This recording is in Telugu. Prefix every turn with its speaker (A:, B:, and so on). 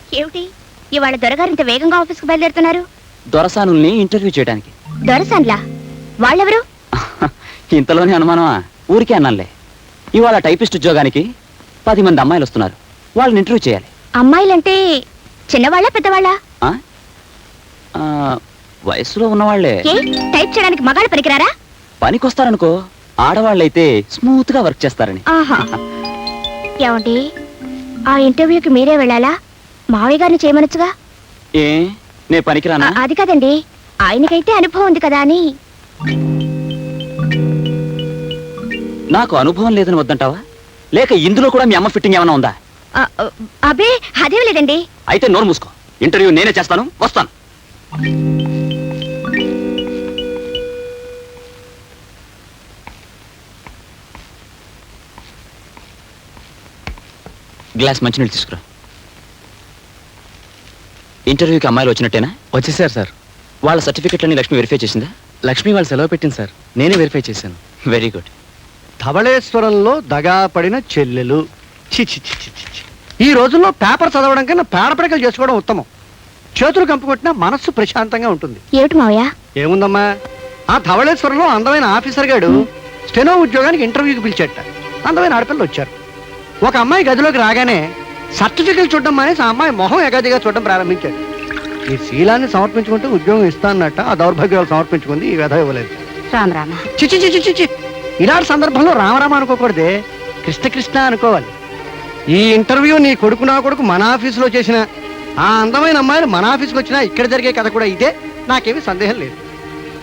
A: ఏమిటి ఇవాళ దొరగారింత వేగంగా ఆఫీస్కి బయలుదేరుతున్నారు?
B: దొరసానుల్ని ఇంటర్వ్యూ చేయడానికి.
A: దొరసాన్లా? వాళ్ళెవరు?
B: ఇంతలోనే అనుమానమా? ఊరికే అన్నానులే. ఇవాళ టైపిస్ట్ ఉద్యోగానికి 10 మంది అమ్మాయిలు వస్తున్నారు. వాళ్ళని ఇంటర్వ్యూ చేయాలి.
A: అమ్మాయిలంటే చిన్నవాళ్ళ పెద్దవాళ్ళ?
B: వయసులో ఉన్నవాళ్లే.
A: టైప్ చేయడానికి మగాళ్ళు పనికిరారా?
B: పనికొస్తారనుకో, ఆడవాళ్ళైతే స్మూత్ గా వర్క్ చేస్తారని.
A: ఏమండి, ఆ ఇంటర్వ్యూకి మీరే వెళ్ళాలా? మావయ్య గారిని చేయమనొచ్చుగా.
B: ఏ నే పనికిరానా?
A: అది కదండి, ఆయనకైతే అనుభవం ఉంది కదా అని.
B: నాకు అనుభవం లేదని వద్దంటావా? లేక ఇందులో కూడా మీ అమ్మ ఫిట్టింగ్ ఏమైనా ఉందా?
A: అబే అదేం లేదండి.
B: అయితే నోరు మూసుకో. ఇంటర్వ్యూ నేనే చేస్తాను, వస్తాను. గ్లాస్ మంచినీళ్ళు తీసుకురా. ఇంటర్వ్యూకి అమ్మాయిలు వచ్చినట్టేనా?
C: వచ్చేసారు సార్.
B: వాళ్ళ సర్టిఫికెట్లన్నీ లక్ష్మి వెరిఫై చేసిందా?
C: లక్ష్మి వాళ్ళు సెలవు పెట్టింది సార్, నేనే వెరిఫై చేశాను.
B: Very good.
D: ధవళేశ్వరంలో దగా పడిన చెల్లెలు. చి చి చి చి చి. ఈ రోజుల్లో పేపర్ చదవడం కన్నా పేడపడికలు చేసుకోవడం ఉత్తమం. చేతులు కంపుకొట్టినా మనస్సు ప్రశాంతంగా ఉంటుంది.
A: ఏమిటి మావయ్య?
D: ఏముందమ్మా, ఆ ధవళేశ్వరంలో అందమైన ఆఫీసర్ గాడు స్టెనో ఉద్యోగానికి ఇంటర్వ్యూకి పిలిచేట. అందమైన ఆడపిల్లలు వచ్చారు. ఒక అమ్మాయి గదిలోకి రాగానే సర్టిఫికెట్ చూడడం మానేసి ఆ అమ్మాయి మొహం ఎగాదిగా చూడడం ప్రారంభించాడు. ఈ శీలాన్ని సమర్పించుకుంటే ఉద్యోగం ఇస్తానన్నట్ట ఆ దౌర్భాగ్యాలు సమర్పించుకుంది, ఈ వ్యధ ఇవ్వలేదు.
A: రామరామ.
D: చిచి చిచి చిచి. ఇలాంటి సందర్భంలో రామరామ అనుకోకూడదే, కృష్ణ కృష్ణ అనుకోవాలి. ఈ ఇంటర్వ్యూ నీ కొడుకు నా కొడుకు మన ఆఫీసులో చేసిన ఆ అందమైన అమ్మాయిలు మన ఆఫీస్కి వచ్చినా ఇక్కడ జరిగే కథ కూడా ఇదే. నాకేమీ సందేహం లేదు.